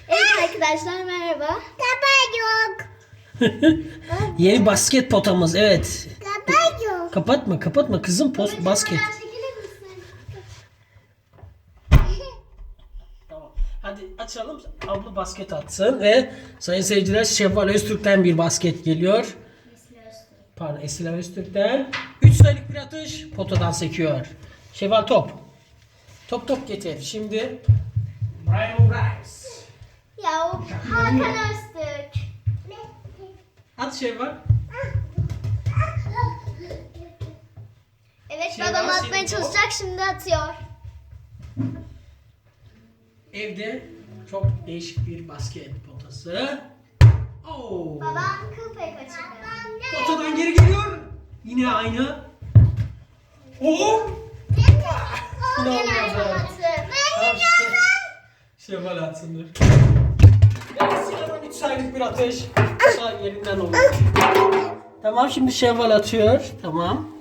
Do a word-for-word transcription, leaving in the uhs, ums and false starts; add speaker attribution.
Speaker 1: Evet arkadaşlar merhaba.
Speaker 2: Kapat yok.
Speaker 3: Yeni basket potamız, evet.
Speaker 2: Kapat yok.
Speaker 3: Kapatma kapatma kızım, post basket.
Speaker 1: Çekilir misin?
Speaker 3: Tamam. Hadi açalım. Abla basket atsın ve sayın seyirciler Şevval Öztürk'ten bir basket geliyor. Pardon, Esila Öztürk'ten. üç sayılık bir atış potadan sekiyor. Şevval top. Top top getir. Şimdi Brian Rice.
Speaker 1: Ya o Hakan Öztürk.
Speaker 3: At Şevval.
Speaker 1: Evet
Speaker 3: Şey
Speaker 1: babam
Speaker 3: var,
Speaker 1: atmaya
Speaker 3: senin
Speaker 1: çalışacak şimdi atıyor.
Speaker 3: Evde çok değişik bir basket potası. Oo.
Speaker 1: Babam kıl payı kaçırdı.
Speaker 3: Potadan geri geliyor. Yine aynı. Oo.
Speaker 1: Gene aynı attı.
Speaker 3: Tamam işte. Şevval atsın dur. Evet, Sinan'ın üç sayılık bir atış. Sağ yerinden olur. Tamam, şimdi Şevval atıyor. Tamam.